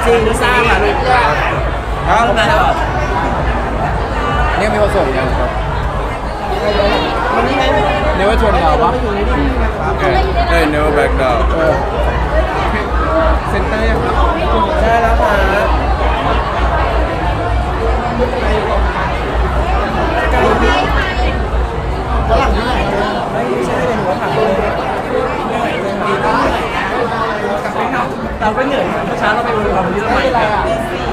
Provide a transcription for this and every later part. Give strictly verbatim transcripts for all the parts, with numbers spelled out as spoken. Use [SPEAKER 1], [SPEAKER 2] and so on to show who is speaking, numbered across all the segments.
[SPEAKER 1] จริงสร้างอ่ะ
[SPEAKER 2] ครับ
[SPEAKER 1] ทำไมเหรอ
[SPEAKER 2] เนี่ยมีคนส่งยังครับ
[SPEAKER 1] วันนี้ไง
[SPEAKER 2] เนว่าชนเราปะเอ้ยเอ้ย never back down เออเซ็นเตอร์ยังครับ
[SPEAKER 1] ใช่แล้วค่ะฝรั่งที่ไหนไม่ใช่เป็นหัวผักเลยเราก็เหนื่อยเมื่อเช้าเราไปวันวันนี้เราไปอะไรอ่ะ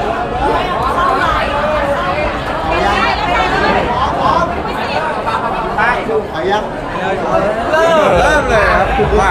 [SPEAKER 1] ใช่ขอยับ
[SPEAKER 2] เริ่มเริ่มเลยครับว่า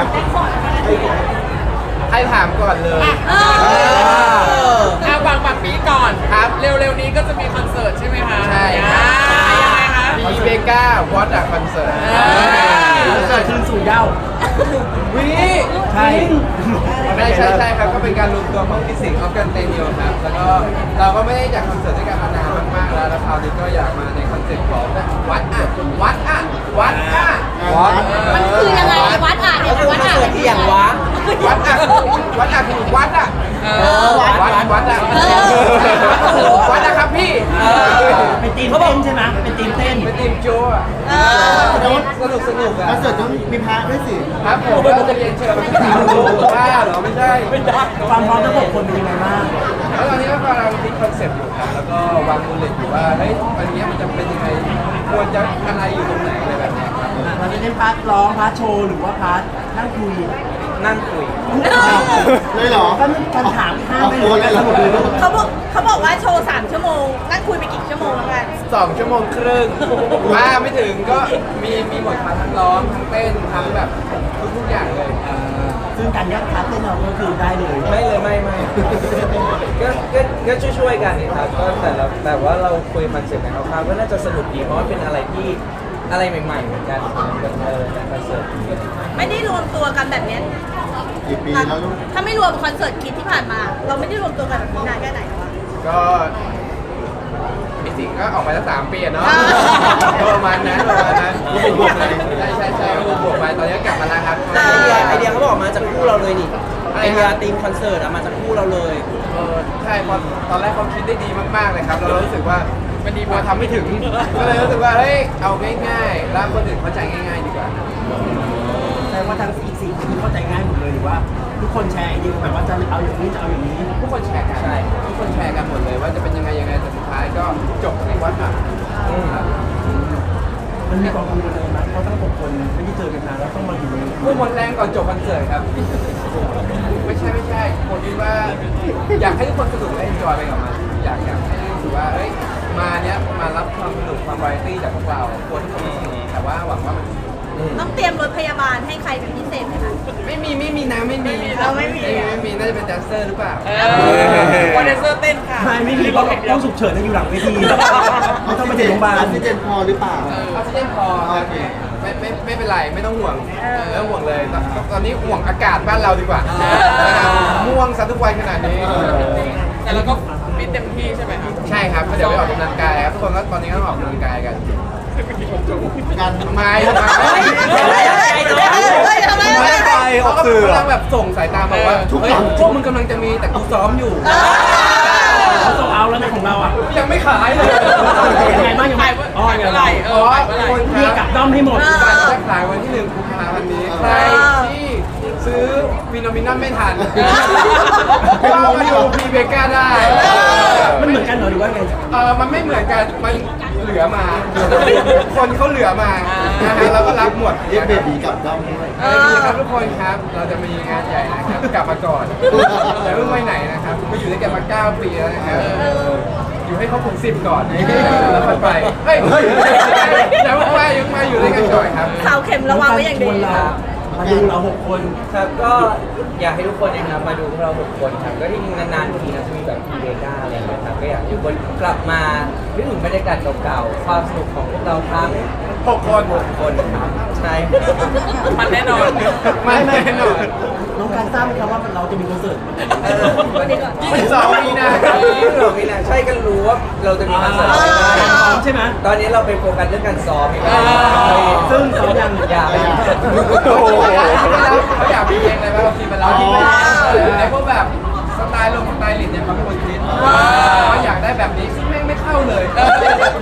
[SPEAKER 2] ให้ถามก่อนเลย
[SPEAKER 3] เอาบางบางปีก่อนครับ เร็วๆนี้ก็จะมีคอนเสิร์ตใช่ไหมคะ
[SPEAKER 2] ใช่
[SPEAKER 3] อ่ายังไงคะ
[SPEAKER 2] มีเบก้าวอตอะคอนเสิร์ต
[SPEAKER 1] คอนเสิร์ตคืนสู่เย้า
[SPEAKER 2] วิ
[SPEAKER 1] ใช่
[SPEAKER 2] ใช่ใช่ใช่ครับก็เป็นการรวมตัวของฟิสิกส์ออฟกันเตนิโอครับแล้วก็เราก็ไม่ได้จัดคอนเสิร์ตด้วยกันมานานมากๆแล้วแล้วคราวนี้ก็อยากมาในคอนเซ็ปต์ของวัดอะวัดอะวัดอะวัด
[SPEAKER 4] มันคือยังไงวัดอ่ะเนี่ยวัดอ่ะ
[SPEAKER 1] ที่อย่างวะ
[SPEAKER 2] วัดอะวัดอะคือวัดอะ
[SPEAKER 3] เอ
[SPEAKER 1] เอ
[SPEAKER 3] อ
[SPEAKER 1] อวัด
[SPEAKER 2] วัดวัดอะวัดนะครับพี่
[SPEAKER 1] เป็นทีมเต้นใช่ไหมเป็นทีมเต้น
[SPEAKER 2] เป็นทีมโจอะ
[SPEAKER 4] เออ
[SPEAKER 2] สนุกสนุกสนุกอะ
[SPEAKER 5] คอนเสิร์ตต้องมีพระด้วยสิ
[SPEAKER 2] ครับผมก็จะเรียนเชิญมาที่สามดูว่าเหรอไม่ใช่
[SPEAKER 1] ความพร้อมทั้งหกคนเป็นยังไงบ้าง
[SPEAKER 2] แล้วตอนนี้ก็กำลังคิดคอนเซ็ปต์อยู่ครับแล้วก็วางมูลเลตอยู่ว่าเฮ้ยอันนี้มันจะเป็นยังไงควรจะอะไรอยู่ตรงไหนอะไรแบบเนี้ยครับ
[SPEAKER 1] เราจะเล่นพาร์ทร้องพาร์ทโชว์หรือว่าพาร์ทนั่งคุย
[SPEAKER 2] นั่งคุย
[SPEAKER 5] เลยเหรอ
[SPEAKER 1] ก็มีคำถามข้าม
[SPEAKER 5] เอา
[SPEAKER 1] ไป
[SPEAKER 5] โอนเลยเหรอ
[SPEAKER 4] เขาบอกเขาบอกว่าโชว์สามชั่วโมงนั่งคุยไปกี่ชั่วโมงแล้วกัน
[SPEAKER 2] สองชั่วโมงครึ่งว่าไม่ถึงก็มีมีหมดมาทั้งร้องทั้งเต้นทั้งแบบทุกทุกอย่างเลย
[SPEAKER 1] ซึ่งการยัดพาร์ทเต้นเราก็คือได้เลย
[SPEAKER 6] ไม่เลยไม่ไม่ก็ก็ก็ช่วยช่วยๆกันนี่ครับก็แต่ละแต่ว่าเราคุยคอนเซ็ปต์กันคร่าวๆก็น่าจะสนุกดีเพราะว่าเป็นอะไรที่อะไรใหม่ๆเหมือนกันเออในคอนเสิร์ตนี้
[SPEAKER 4] ไม่ได้รวมตัวกันแบบเนี้ย
[SPEAKER 5] กี่ปีแล้วลูก
[SPEAKER 4] ถ้าไม่รวมคอนเสิร์ตคิดที่ผ่านมา เราไม่ได้รวมตัวกันแบบนี้นานแค่ไหนแล้ววะ
[SPEAKER 2] ก็มีสิ่งก็ออกมาตั้งสามปีอะเนาะ
[SPEAKER 4] อ่า
[SPEAKER 2] ก็ประมาณนั้นประมาณนั้นบวกไปใช่ใช่ใช่บวกไปตอนนี้ก็กลับมาแล้วครับ
[SPEAKER 1] ไอเดียไอเดียเขาบอกมาจากคู่เราเลยนี่ไอเดียทีมคอนเสิร์ตอะมาจากคู่เราเลย
[SPEAKER 2] เออใช่พอตอนแรกเขาคิดได้ดีมากๆเลยครับเรารู้สึกว่ามันดีพอทำไม่ถึง ก็เลยรู้สึกว่าเฮ้ยเอาง่ายๆแล้วคนอื่นเข้าใจง่ายๆดีกว่า
[SPEAKER 1] แต่ว่าทางอีกสี่คนเข้าใจง่ายหมดเลยหรือว่า ทุกคนแชร์ไอเดียแบบว่าจะเอาอย่างนี้จะเอาอย่างนี้
[SPEAKER 2] ทุกคนแชร์กันใช่ทุกคนแชร์กันหมดเลยว่าจะเป็นยังไงยังไงแต่สุดท้ายก็จบในวัดอ่ะครับ
[SPEAKER 1] มันมีความกังวลอะไรไหมเพราะทั้งหกคนไม่ได้เจอกันนานแล้วต้องมาอยู่ใน
[SPEAKER 2] พูดหมดแรงก่อนจบคอนเสิร์ตครับ ไม่ใช่ไม่ใช่คนคิดว่าอยากให้ทุกคนสนุกและเอนจอยไปกับมันอยากอยากให้รู้สึกว่าเอ้ยมาเนี้ยมารับความสนุกความวาไรตี้จากพวกเราควรทุกคนสนุกแต่ว่าหวังว่ามัน
[SPEAKER 4] ต้องเตรียมรถพยาบาลให้ใครเป็นพิเศษไหมคะ
[SPEAKER 2] ไม่มีไม่มีนะไม่มี
[SPEAKER 4] เราไม่มี
[SPEAKER 2] ไม่มีน่าจะเป็นแดนเซอร์หรือเปล่า
[SPEAKER 3] เออวันเดนเซอร์เต้นค่ะ
[SPEAKER 1] ไม่ไม่มีเพราะต้องฉุกเฉินอยู่หลังเวทีไม่ต้องไปถึงโรงพยาบาล
[SPEAKER 5] ออกซิเจนพอหรือเปล่า
[SPEAKER 2] ออกซิเจนพอครับไม่ไม่ไม่เป็นไรไม่ต้องห่วงไม่ต้องห่วงเลยตอนตอนนี้ห่วงอากาศบ้านเราดีกว่าม่วงซะทุกวันขนาดนี้
[SPEAKER 3] แต่เราก็ฟิตเต็มที่ใช่ไหมคะ
[SPEAKER 2] ใช่ครับก็เดี๋ยวไปออกกำลังกายครับทุกคนก็ตอนนี้ก็ต้องออกกำลังกายกัน
[SPEAKER 5] การ
[SPEAKER 2] ทำไมทำไม
[SPEAKER 4] เฮ้ยทำไม
[SPEAKER 2] ไม่
[SPEAKER 4] ไม่
[SPEAKER 2] ไป
[SPEAKER 4] ไป
[SPEAKER 2] เขาก็กำลังแบบส่งสายตาบอกว่าเฮ้ยพวกมึงกำลังจะมีแต่กูซ้อมอยู่
[SPEAKER 1] เขาส่งเอาแล้วในของเราอ่ะ
[SPEAKER 2] ยังไม่ขายเลย
[SPEAKER 1] ยังไงบ้างยังไง
[SPEAKER 3] ขายเมื่อขายเมื่อไหร่เออขายเมื่อไหร่
[SPEAKER 1] เรียกกลับด้อมให้หมด
[SPEAKER 2] การจะขายวันที่หนึ่งกุมภาพันธ์นี้ใครที่ซื้อวินอมินัมไม่ทันก็มาดูพีเบก้าได้
[SPEAKER 1] มันเหมือนกันเหรอหรือว่าไง
[SPEAKER 2] เออมันไม่เหมือนกัน มันเหลือมา คนเขาเหลือมานะฮะเราก็รับหมด
[SPEAKER 5] เรียกเบบีกลับด้อมด้วย
[SPEAKER 2] เออดีครับทุกคนครับ เราจะมีงานใหญ่นะครับ กลับมาก่อนอย่าเพิ่งไปไหนนะครับมาอยู่ด้วยกันมาเก้าปีแล้วนะครับอยู่ให้ครบถึงสิบก่อนแล้วค่อยไป เฮ้ยอย่าเพิ่งไปยังมาอยู่ด้วยกันก่อนครับ
[SPEAKER 4] เสาเข็มระวังไว้อย่างดี
[SPEAKER 1] มาดูเราหกคน
[SPEAKER 6] ครับก็อยากให้ทุกคนนะครับมาดูพวกเราหกคนครับก็ที่นานๆทีนะจะมีแบบพีเบก้าอะไรอย่างเงี้ยครับก็อยากให้ทุกคนกลับมานึกถึงบรรยากาศเก่าๆความสนุกของพวกเราทั้ง
[SPEAKER 2] หกคน
[SPEAKER 6] หกคนครับใช่
[SPEAKER 3] มันแน่นอน
[SPEAKER 2] ไม่แน่นอน
[SPEAKER 1] น้องการทราบไหมครับว่าเราจะมีคอนเสิร์ต
[SPEAKER 6] เออ
[SPEAKER 2] ยี่สิบสองมีนาครับ
[SPEAKER 6] ยี่สิบสองมีนาใช่กันรู้ว่าเราจะมีคอนเสิร์ตอะไรบ้าง
[SPEAKER 1] ใช่ไหม
[SPEAKER 6] ตอนนี้เราไปโฟกัสเรื่องการซ้อมอีกแล้ว
[SPEAKER 1] ซึ่งซ้อมยัง
[SPEAKER 6] อยาก
[SPEAKER 2] โอ้โหเขาอยากมีเพลงอะไรบ้างเราคิดมาแล้วคิดมาแต่พวกแบบสไตล์ลงสไตล์ลิดเนี่ยเขาไม่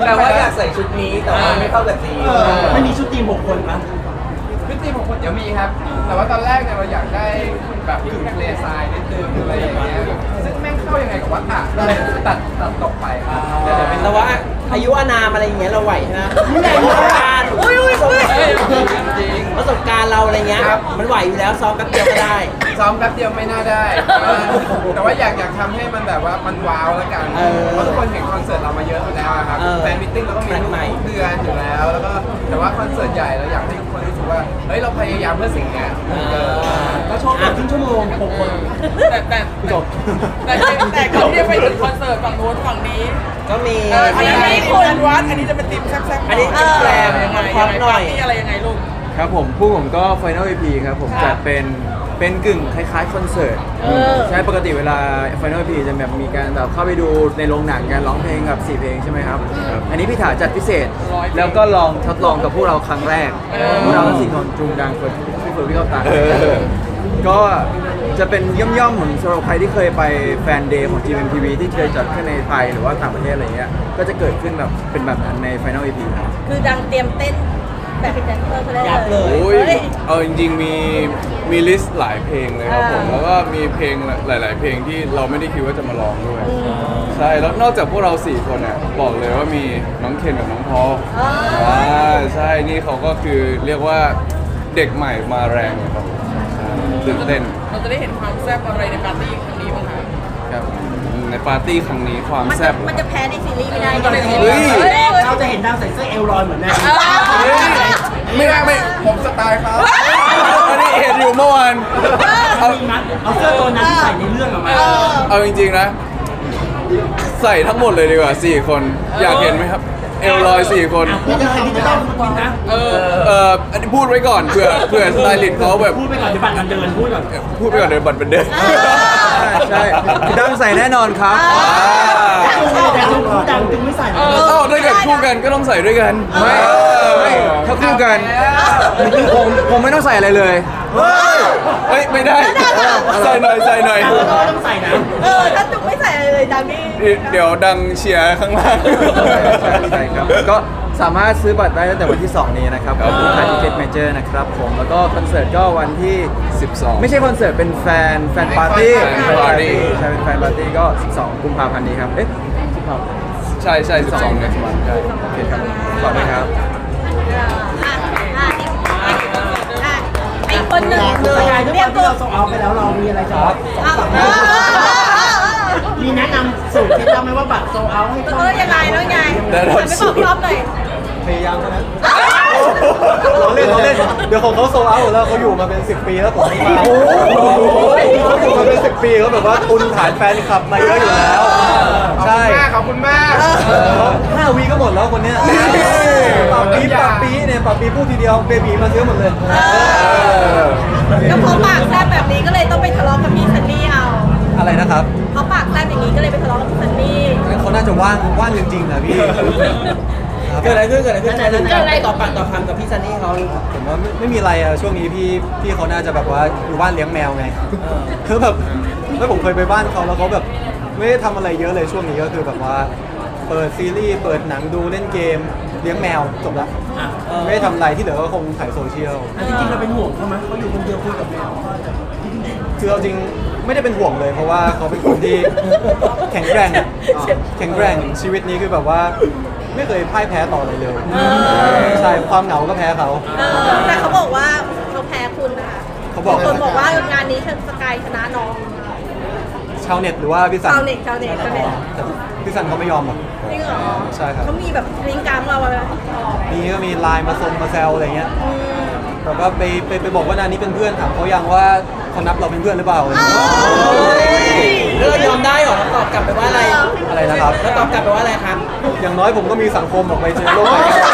[SPEAKER 6] แปลว่าอยากใส่ชุดนี้แต่ว่าไม่เข้ากับทีม
[SPEAKER 1] ไม่มีชุดทีมหกคนมั้ย
[SPEAKER 2] พี่ทีมของคนเดี๋ยวมีครับ แต่ว่าตอนแรกเนี่ยเราอยากได้แบบกึ่งทะเลทรายนิดนึงอะไรอย่างเงี้ยซึ่งแม่งเข้ายังไงกับวัดอ่ะก็เลยตัดตัดตกไปครับเดี๋ยวเดี๋ยวเป็น
[SPEAKER 6] แต่ว่าอายุอานามอะไรอย่างเงี้ยเราไหวใช่ไหมประสบการณ์
[SPEAKER 4] อุ้ยอุ้ยอุ้ย
[SPEAKER 2] จริง
[SPEAKER 6] ประสบการณ์เราอะไรเงี้ย
[SPEAKER 2] ครับ
[SPEAKER 6] มันไหวอยู่แล้วซ้อมแป๊บเดียวก็ได้
[SPEAKER 2] ซ้อมแป๊บเดียวไม่น่าได้ แต่ว่าอยากอยากทำให้มันแบบว่ามันว้าวแล้วกัน
[SPEAKER 6] เออ
[SPEAKER 2] เพราะทุกคนเห็นคอนเสิร์ตเรามาเยอะแล้วอะครับ
[SPEAKER 6] เออ
[SPEAKER 2] แฟนมิทติ้งเราก็มี
[SPEAKER 6] แปลก
[SPEAKER 2] ทุก
[SPEAKER 6] ใหม่
[SPEAKER 2] เดือนอยู่แล้ว แล้วก็แต่ว่าคอนเสิร์ตใหญ่เราอยากให้ทุกคนรู้สึกว่า เฮ้ยเราพยายามเพื่อสิ่งเนี้ยเออ
[SPEAKER 1] ก็โชว์แบบครึ่งชั่วโมงหกคน
[SPEAKER 3] แต่แต่จบแต่แต่ก่อนที่จะไปถึงคอนเสิร์ตฝั่งโน้นฝั่งนี้
[SPEAKER 6] ก็มี
[SPEAKER 3] เอออันนี้คุณวัดอันนี้จะเป็นทีมแซ่บๆ
[SPEAKER 6] อันนี้จะแปลง
[SPEAKER 3] ยังไง
[SPEAKER 6] คร
[SPEAKER 3] ยั
[SPEAKER 6] อง บ
[SPEAKER 3] ไง
[SPEAKER 6] หน่อย
[SPEAKER 3] ปาร์ตี้อะไรยังไงลูก
[SPEAKER 7] ครับผมผู้ผมก็ Final อี พี ครับผม
[SPEAKER 3] ครั
[SPEAKER 7] จะ
[SPEAKER 3] บ
[SPEAKER 7] เป็นเป็นกึ่งคล้ายๆคอนเสิร์ต
[SPEAKER 4] เออ
[SPEAKER 7] ใช่ปกติเวลา Final อี พี จะแบบมีการแบบเข้าไปดูในโรงหนังการร้องเพลงกับสี่เพลงใช่ไหมครับ อันนี้พี่ถาจัดพิเศษ แล้วก็ลองทดลองกับพวกเราครั้งแรกพวกเราทั้งสี่คนจูงดังเฟิร์นพี่เฟิร์นพี่เข้าตาก็จะเป็นย่อมๆเหมือนสำหรับใครที่เคยไปแฟนเดย์ของ จี เอ็ม ที วี ที่เคยจัดขึ้นในไทยหรือว่าต่างประเทศอะไรเงี้ยก็จะเกิดขึ้นแบบเป็นแบบนั้นใน Final อี พี ครับ
[SPEAKER 4] คือดังเตรียมเต้นแบบเป็นแดนเซอร์เขาได้
[SPEAKER 6] ยับ
[SPEAKER 4] เล
[SPEAKER 6] เลย ย
[SPEAKER 8] โอ้ย
[SPEAKER 4] เฮ้ย
[SPEAKER 8] เอาจริงๆมีมีลิสต์หลายเพลงเลยครับผม
[SPEAKER 4] อ่า
[SPEAKER 8] แล้วก็มีเพลงหลาย ๆ เพลงที่เราไม่ได้คิดว่าจะมาร้องด้วย ใช่ แล้วนอกจากพวกเราสี่คนเนี่ยบอกเลยว่ามีน้องเคนกับน้องพอล
[SPEAKER 4] อ๋อ
[SPEAKER 8] อ่าใช่ นี่เขาก็คือเรียกว่าเด็กใหม่มาแรงเลยครับผมใช่ตื่นเต้น
[SPEAKER 3] เราจะได้เห็นความแซ่บอะไรในปาร์ตี้ครั้งนี้บ้างคะ
[SPEAKER 8] ครับในปาร์ตี้ครั้งนี้ความ
[SPEAKER 4] มัน
[SPEAKER 8] แซ่
[SPEAKER 4] จะ
[SPEAKER 8] บ
[SPEAKER 4] มันจะแพ้ในซีรีส์ไม่ได้
[SPEAKER 3] มันจะเห็น
[SPEAKER 8] เฮ้ย
[SPEAKER 1] เราจะเห็นดังใส่เสื้อเอลลอยเหมือนแม่
[SPEAKER 8] เฮ้ยไม่ได้ไม่ผมสไตล์เขาอันนี้เห็นอยู่เมื่อวาน
[SPEAKER 1] เอามัดเอาเสื้อตัวนั้นที่ใส่ในเรื่องออกมา
[SPEAKER 8] เอาจริงๆนะ ใส่ทั้งหมดเลยดีกว่าสี่คน อยากเห็นไหมครับ เอลลอยสี่คน
[SPEAKER 1] พูดจะใครที่จะต้องพูดนะ
[SPEAKER 3] เออ
[SPEAKER 8] เอ่ออันนี้พูดไว้ก่อนเผื่อเผื่อสไตลิสต์เขาแบบ
[SPEAKER 1] พูดไปก่อนเดี๋ยวบัตรมันเดินพูดก่อน
[SPEAKER 8] พูดไปก่อนเดี๋ยวบัตรเป็นเดิน
[SPEAKER 7] ใช่ดังใส่แน่นอนครับ
[SPEAKER 1] แต่จุงพูดดังจุงไม่ใส่
[SPEAKER 8] เอ้าถ้าเกิดคู่กันก็ต้องใส่ด้วยกัน
[SPEAKER 7] ไม่ไม่ถ้าคู่กันผมผมไม่ต้องใส่อะไรเลย
[SPEAKER 8] เฮ้ยไม่ได้ ใส่หน่อยใส่หน่อย
[SPEAKER 1] ต้องใส่นะ
[SPEAKER 4] เออถ้าจุกไม่ใส่อะไรเลยดังนี่
[SPEAKER 8] เดี๋ยวดังเชียร์ข้างล่าง
[SPEAKER 7] ใช่ครับ ก็สามารถซื้อบัตรได้ตั้งแต่วันที่ สอง นี้นะครับ
[SPEAKER 8] ครับ
[SPEAKER 7] ที่ไทยทิเก็ตเมเจอร์นะครับผม แล้วก็คอนเสิร์ตก็วันที่
[SPEAKER 8] สิบสอง
[SPEAKER 7] ไม่ใช่คอนเสิร์ตเป็นแฟนแฟนปาร์ตี้
[SPEAKER 8] แฟนปาร์ตี้
[SPEAKER 7] ใช่เป็นแฟนปาร์ตี้ก็ สิบสอง กุมภาพันธ์นี้ครับ เอ๊ะสิบสอง
[SPEAKER 8] ใช่ใช่สิบสองเนี่ยมันใช่
[SPEAKER 7] โอเคครับขอบคุณครับ
[SPEAKER 4] อ่ะอ่ะอ่ะอ่ะไอ้คนหนึ่ง
[SPEAKER 1] สกายด้วย
[SPEAKER 4] เรี
[SPEAKER 1] ค
[SPEAKER 4] ย
[SPEAKER 1] วาก ม
[SPEAKER 4] ตั
[SPEAKER 1] ที่
[SPEAKER 4] ว
[SPEAKER 1] เราส่งเอาไปแล้วเรามีอะไรจะ
[SPEAKER 4] เอาเออเออเออเออ
[SPEAKER 1] มีแนะนำสูตรเคล็ดลับไหมว่าบัตรโซเอาให้
[SPEAKER 4] เออยังไงแล้วยังไง
[SPEAKER 8] ได้
[SPEAKER 4] หั
[SPEAKER 8] รับ
[SPEAKER 4] นไป
[SPEAKER 8] สู
[SPEAKER 4] บอ
[SPEAKER 8] ตร
[SPEAKER 4] กรอบหน่อย
[SPEAKER 9] พยายามเท่านั้นเราเล่นเราเล่น เดี๋ยวของเขาโซลเอาท์หมดแล้วเขาอยู่มาเป็นสิบปีแล้วผมไม่มาเขาอยู่มาเป็นสิบปีเขาแบบว่าตุนฐานแฟนคลับมาเยอะอยู่แล้ว ใช่
[SPEAKER 2] ขอบคุณมาก
[SPEAKER 9] ห้าวีก็หมดแล้วคนเนี้ยปาปีปาปีเนี่ยปาปีพูดทีเดียวเบบีมาซื้อหมดเลย
[SPEAKER 4] ก็เพราะปากแซ่บแบบนี้ก็เลยต้องไปทะเลาะกับพี่ซันนี่เอา
[SPEAKER 9] อะไรนะครับ
[SPEAKER 4] เพราะปากแซ่บอย่างนี้ก็เลยไปทะเลาะกับพี่ซันนี่
[SPEAKER 9] เขาน่าจะว่างว่างจริงๆนะพี่
[SPEAKER 6] เกิดอะไรขึ้นเกิดอะไรขึ้นเกิดอะไรต่อปากต่อคำกับพี่ซันนี่เขา
[SPEAKER 9] ผมว่าไม่ไม่มีอะไรอะช่วงนี้พี่พี่เขาน่าจะแบบว่าอยู่บ้านเลี้ยงแมวไงคือแบบแล้วผมเคยไปบ้านเขาแล้วเขาแบบไม่ได้ทำอะไรเยอะเลยช่วงนี้ก็คือแบบว่าเปิดซีรีส์เปิดหนังดูเล่นเกมเลี้ยงแมวจบละไม่ได้ทำอะไรที่เหลือก็คงถ่ายโซเชียล
[SPEAKER 1] อันจริงๆเราเป็นห่วงเขาไหมเขาอยู่คนเดียวคุยกับแมว
[SPEAKER 9] คือเอาจริงไม่ได้เป็นห่วงเลย เพราะว่าเขาเป็นคนที่แข็งแกร่งอะแข็งแกร่งชีวิตนี้คือแบบว่าไม่เคยพ่ายแพ้ต่ออะไรเลยใช่ความเหงาก็แพ้เขา
[SPEAKER 4] เออแต่เขาบอกว่าเขาแพ้คุณนะคะ
[SPEAKER 9] เขาบอก
[SPEAKER 4] มีคนบอกว่างานนี้สกายชนะน้อง
[SPEAKER 9] ชาวเน็ตหรือว่าพี่สัน
[SPEAKER 4] ชาวเน็ตชาวเน็ตชาวเน็ต
[SPEAKER 9] แต่พี่สันเขาไม่ยอมหรอก
[SPEAKER 4] จริงเหรอ
[SPEAKER 9] ใช่ครับ
[SPEAKER 4] เขามีแบบลิงก์กรรมเราอะไรไหม
[SPEAKER 9] มีก็มีไลน์มาซงมาแซวอะไรเงี้ย
[SPEAKER 4] อืม
[SPEAKER 9] แบบว่าไปไปไปบอกว่านานนี้เป็นเพื่อนถามเขายังว่าเขานับเราเป็นเพื่อนหรือเปล่าอะไร
[SPEAKER 4] อ้า
[SPEAKER 9] เงี้ย
[SPEAKER 4] ว
[SPEAKER 6] แล้วเรายอมได้เหรอเราตอบกลับไปว่าอะไร
[SPEAKER 9] อะไรนะครับ
[SPEAKER 6] แล้วตอบกลับไปว่าอะไรครับ
[SPEAKER 9] อย่างน้อยผมก็มีสังคมออกไปเจอโลกภายนอก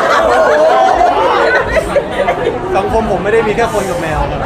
[SPEAKER 9] สังคมผมไม่ได้มีแค่คนกับแมวครับ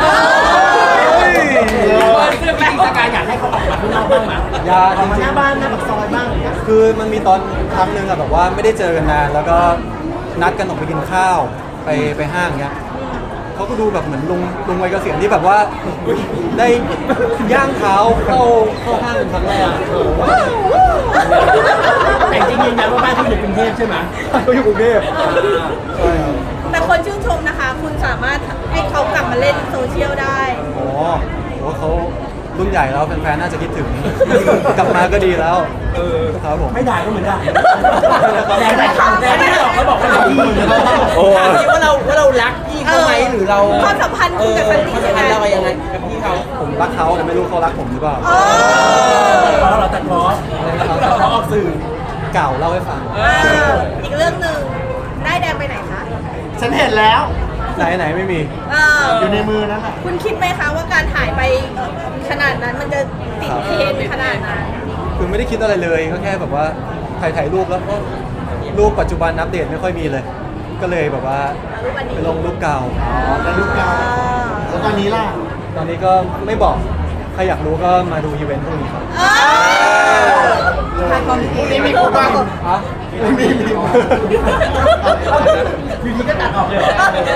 [SPEAKER 1] จริงๆสกายอยากให้เขาออกมาข้างนอกบ้างไหม
[SPEAKER 9] อยาก
[SPEAKER 1] ออกมา
[SPEAKER 9] จ
[SPEAKER 1] ห
[SPEAKER 9] ริง
[SPEAKER 1] น้า
[SPEAKER 9] ๆ
[SPEAKER 1] บ้านหน้าปากซอยบ้างอย่างเงี้ย
[SPEAKER 9] คือมันมีตอนครั้งหนึ่งอะแบบว่าไม่ได้เจอกันนานแล้วก็นัดกันออกไปกินข้าวไปไปห้างเงี้ยเขาก็ดูแบบเหมือนลุงลุงวัยเกษียณที่แบบว่าได้ย่างเท้าเข้าเข้าห้างเป็นครั้งแรก
[SPEAKER 1] แต่จริงๆยืนยันว่าบ้านเขาอยู่กรุงเทพใช่ไหม
[SPEAKER 9] เขาอยู่กรุงเทพใช่ครับ
[SPEAKER 4] แต่คนชื่นชมนะคะ คุณสามารถให้เขากลับมาเล่นโซเชียลได้
[SPEAKER 9] อ๋อโหเขารุ่นใหญ่แล้วแฟนๆน่าจะคิดถึง กลับมาก็ดีแล้วเออครับผม
[SPEAKER 1] ไม่ด่าก็เหมือนด่าแรงแต่คำแรงไม่ได้หรอกเขาบอกว่าเราดี
[SPEAKER 7] โอ้
[SPEAKER 6] ถามจริงว่าเราว่าเรารักพี่เขาไหมหรือเรา
[SPEAKER 4] ความสัมพันธ์คุณกับซันนี่
[SPEAKER 6] ความสัมพันธ์เรายังไงกับพี่เขา
[SPEAKER 9] ผมรักเขาแต่ไม่รู้เขารักผมหรือเปล่า
[SPEAKER 4] เออ
[SPEAKER 1] เพราะเราตัดล้อเราออกสื่อ
[SPEAKER 9] เก่าเล่าให้ฟัง
[SPEAKER 4] อ่าอีกเรื่องหนึ่งได้แดงไปไหนคะ
[SPEAKER 5] ฉันเห็นแล้ว
[SPEAKER 9] ไหนไหนไม่มี
[SPEAKER 4] เออ
[SPEAKER 5] อยู่ในมือนั่นแหละ
[SPEAKER 4] คุณคิดไหมคะว่าการหายไปขนาดนั้นมันจะติดเทรนด์ขนาดนั้น
[SPEAKER 9] คือไม่ได้คิดอะไรเลยก็แค่แบบว่าถ่ายถ่ายรูปแล้วก็รูปปัจจุบันอัปเดตไม่ค่อยมีเลย ก็เลยแบบว่า
[SPEAKER 4] รูปอันนี้
[SPEAKER 9] ไปลงรูปเก่า
[SPEAKER 5] อ๋อในรูปเก่าแล้วตอนนี้ล่ะ
[SPEAKER 9] ตอนนี้ก็ไม่บอกใครอยากรู้ก็มาดูอีเวนต์พรุ่งนี้ครับ
[SPEAKER 4] เออ
[SPEAKER 2] พรุ่งนี้มีคู่บ้าง
[SPEAKER 9] ฮะ
[SPEAKER 5] ไม่มีมี
[SPEAKER 1] อยู่ดีก็ตัดออกเลยเหรอ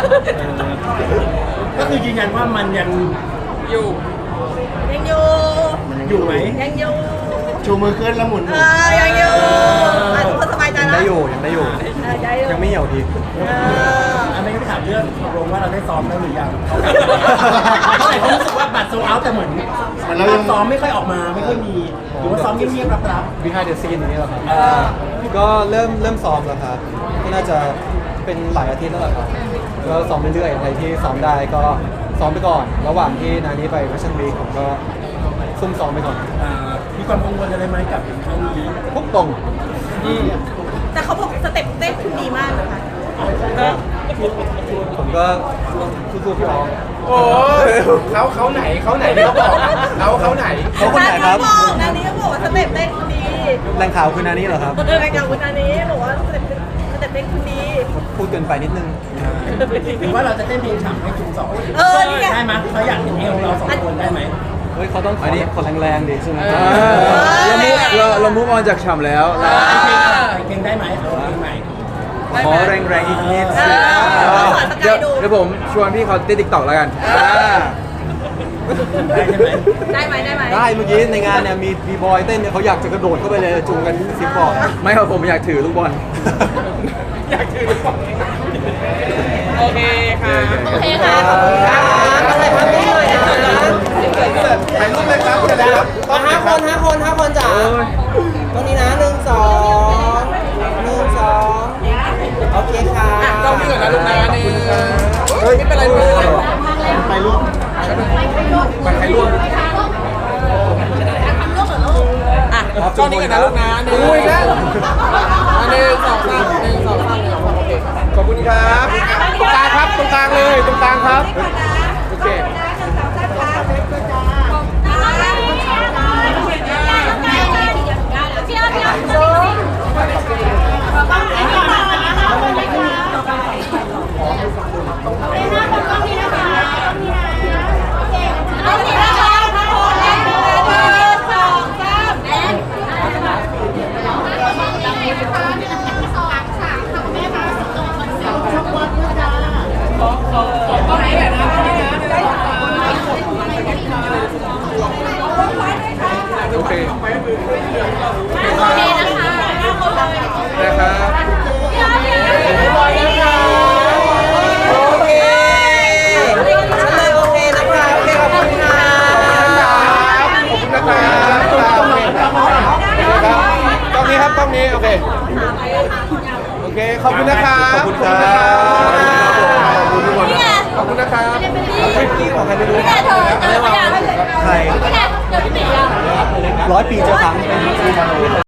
[SPEAKER 1] ก็คือยืนยันว่ามันยัง
[SPEAKER 3] อยู่
[SPEAKER 4] ยังอยู่
[SPEAKER 1] อยู่ไหม
[SPEAKER 4] ยังอยู่
[SPEAKER 5] ชูมือขึ้นแล้วหมุน
[SPEAKER 4] เออยังอยู่อ่ะทุกคนสบายใจ
[SPEAKER 9] ยัง
[SPEAKER 4] นะ
[SPEAKER 9] ได้อยู่ยังได้อยู่
[SPEAKER 4] เออได้อยู่
[SPEAKER 9] ยังไม่เหี่ยวดี
[SPEAKER 4] เออ
[SPEAKER 1] อันนี้ก็ถามเรื่องตกลงว่าเราได้ซ้อมแล้วหรือยังเพราะหลายคนรู้สึกว่าบัตรโซเอาแต่เหมือนเราซ้อมไม่ค่อยออกมาไม่ค่อยมีหรือว่าซ้อมเงียบๆรับ
[SPEAKER 9] behind the scene อย่างนี้เหรอครับ
[SPEAKER 1] ๆเออ
[SPEAKER 9] ก็เริ่มเริ่มซ้อมแล้วครับก็น่าจะเป็นหลายอาทิตย์แล้วแหละครับก็ซ้อมเรื่อยๆอะไรที่ซ้อมได้ก็ซ้อมไปก่อน ระหว่างที่นานี้ไป Fashion Week ผมก็ซุ่มซ้อมไปก่อน
[SPEAKER 1] อ่ามีความกังวลอะไรไหมกับครั้งนี้
[SPEAKER 9] พวกตรง
[SPEAKER 4] แต่เขาบอกสเต็ปเต้นคุณดีมากนะคะ
[SPEAKER 9] ผมก็สู้ๆพี่น้อง
[SPEAKER 2] โอ้ยเขาเขาไหนเขาไหนที่เขาบอกเขาเขาไหน
[SPEAKER 9] เขาคนไหนครับ
[SPEAKER 4] นาบอกนานี้ก็บอกว่าสเต็ปเต้นคุณดี
[SPEAKER 9] แหล่งข่าวคือนานี้เหรอครับ
[SPEAKER 4] รายการคุณนานี้บอกว่าสเต็ปสเต็ปเต้นคุณดี
[SPEAKER 9] พูดเกินไปนิดนึง
[SPEAKER 1] หรือว่าเราจะเต้นเพลงฉ่ำให้จุงสอง
[SPEAKER 4] เออนี่ไง
[SPEAKER 1] ได้ไหมเขาอยากเห็นเอวเราสองคนได้ไหม
[SPEAKER 9] เฮ้ยเขาต้องขอขอแรงๆดิใช่ไหม
[SPEAKER 7] เรามุกเราเรามุกออนจากฉ่ำแล้วเรา
[SPEAKER 1] เพลงได้ไหมเอาเพลงใหม่
[SPEAKER 7] ขอแรงๆอีกนิด
[SPEAKER 4] เออขอสกาย
[SPEAKER 7] เดี๋ยว
[SPEAKER 4] ดู
[SPEAKER 7] เดี๋ยวผมชวนพี่เขาเต้นติ๊กต็อกแล้วกันอ่า
[SPEAKER 1] ได้ใช่ไหม
[SPEAKER 4] ได้ไหมได้ไหม
[SPEAKER 9] ได้เมื่อกี้ในงานเนี่ยมีบีบอยเต้นเนี่ยเขาอยากจะกระโดดเข้าไปเลยจูงกันซิปบอก
[SPEAKER 7] ไม่ครับผมอยากถือลูกบอล
[SPEAKER 2] อยากถือลูกบอล
[SPEAKER 3] โอเคค่ะ
[SPEAKER 4] โอเคค่ะขอบคุณค่ะอะไรทำได้เลยนะ
[SPEAKER 2] ถ่ายรูปเลยครับจะได้ครับ
[SPEAKER 6] ห้าคนห้าคนห้าคนจ๋าตรงนี้นะหนึ่งสองหนึ่งสองโอเคค่ะ
[SPEAKER 3] อ่ะต้องมีก่อนนะลูกนะหนึ่งไม่เป็นไรลูก
[SPEAKER 5] ไปรูป
[SPEAKER 2] มันใครร่วม
[SPEAKER 3] อ่ะกล้องนี้ก่อนนะลูกนะหนึ่ง
[SPEAKER 2] อุ้ยนะ
[SPEAKER 3] หนึ่งสองสามหนึ่งสองสามหนึ่งสองโอเคครับ
[SPEAKER 2] ขอบคุณครับตรงกลางครับตรงกลางเลยตรงกลางครับโอเค โอเค
[SPEAKER 4] โอเคนะคะ
[SPEAKER 2] นะครับ
[SPEAKER 6] โอเคฉันเลยโอเคนะคะโอเคขอบคุณค่ะ
[SPEAKER 2] ขอบคุณนะครับกล้องนี้ครับกล้องนี้โอเคโอเคขอบคุณนะครับ
[SPEAKER 9] ขอบคุณครับ
[SPEAKER 2] ขอบคุณทุกคนขอบคุณนะครับ
[SPEAKER 9] พี่ของใครไม่รู้
[SPEAKER 4] นี่ไงเธอเจอหรือยัง
[SPEAKER 9] ใคร
[SPEAKER 4] นี่ไงเจอพี่หมีอ่ะ
[SPEAKER 9] ร้อยปีเจอครั้ง